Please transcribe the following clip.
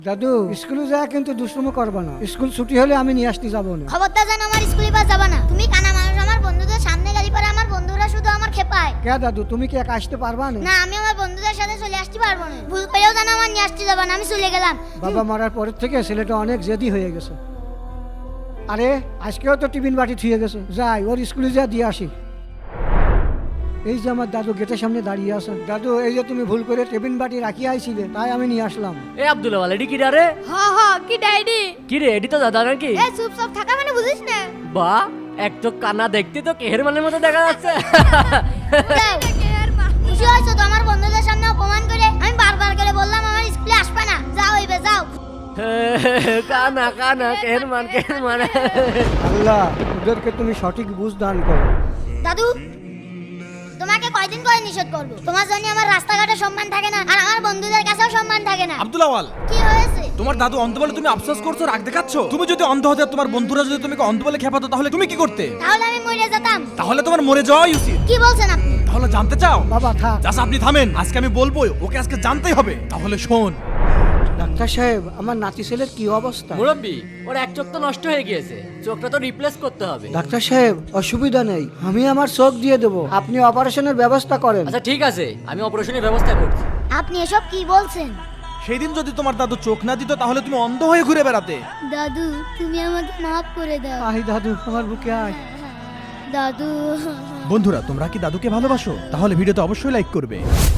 দাদু স্কুলে যা কিন্তু দুষ্টুমি করবা না, স্কুল ছুটি হলে আমি নিয়ে আসতে যাবো না। খবরদার যেন আমার স্কুলে বাস যাবা না। তুমি কানা মানুষ, আমার বন্ধুদের সামনে গালি পারে, আমার বন্ধুরা শুধু আমার খেপায়। কে দাদু, তুমি কি একা আসতে পারবা না? না, আমি আমার বন্ধুদের সাথে চলে আসতে পারবো না। ভুল করেও যেন আমার নিয়ে আসতে যাবা না, আমি চলে গেলাম। বাবা মারার পরের থেকে ছেলেটা অনেক জেদি হয়ে গেছে। আরে আজকেও তো টিফিন বাটি থুয়ে গেছে, যাই ওর স্কুলে যা দিয়ে আসি। এই যে আমার দাদু গেটের সামনে দাঁড়িয়ে আছে। দাদু, এই যে তুমি ভুল করে টিফিন বাটি রাখিয়ে আইছিলে, তাই আমি নিয়ে আসলাম। এ আব্দুল ওয়াল এডি কি রে? কি ডাইডি? কি রে এডি তো দাদা নাকি? এ চুপ চুপ থাকা মানে বুঝিস না? বা এক তো কানা দেখতে তো কেহেরমানের মতো দেখা যাচ্ছে। খুশি হয়েছো তো আমার বন্ধুদের সামনে অপমান করে? আমি বারবার করে বললাম আমার স্কুলে আসবে না। যাও এইবে যাও। কানা কানা কেহেরমান। আল্লাহ, ওদেরকে তুমি সঠিক বুঝ দান করো। দাদু, তোমাকে কয়দিন করে নিষেধ করবো? তোমার জন্য আমার রাস্তাঘাটে সম্মান থাকে না, আর আমার বন্ধুদের কাছেও সম্মান থাকে না। আব্দুল আওয়াল, কি হয়েছে? তোমার দাদু অন্ধ বলে তুমি আফসোস করছো, রাগ দেখাচ্ছ? তুমি যদি অন্ধ হতে, তোমার বন্ধুরা যদি তোমাকে অন্ধ বলে খেপাতো, তাহলে তুমি কি করতে? তাহলে আমি মরে যেতাম। তাহলে তোমার মরে যাওয়াই উচিত। কি বলছেন আপনি? তাহলে জানতে চাও? বাবা থাক। জাস্ট আপনি থামেন, আজকে আমি বলবো, ওকে আজকে জানতেই হবে। তাহলে শোন। ডাক্তার সাহেব, আমার নাতি ছেলের কি অবস্থা? মুরব্বি, ওর এক চোখ তো নষ্ট হয়ে গিয়েছে, চোখটা তো রিপ্লেস করতে হবে। ডাক্তার সাহেব, অসুবিধা নেই, আমি আমার চোখ দিয়ে দেবো, আপনি অপারেশনের ব্যবস্থা করেন। আচ্ছা ঠিক আছে, আমি অপারেশনের ব্যবস্থা করছি। আপনি এসব কি বলছেন? সেই দিন যদি তোমার দাদু চোখ না দিত, তাহলে তুমি অন্ধ হয়ে ঘুরে বেড়াতে। দাদু, তুমি আমাকে মাফ করে দাও। আয় দাদু, আমার বুকে আয়। দাদু। বন্ধুরা, তোমরা কি দাদুকে ভালোবাসো? তাহলে ভিডিওতে অবশ্যই লাইক করবে।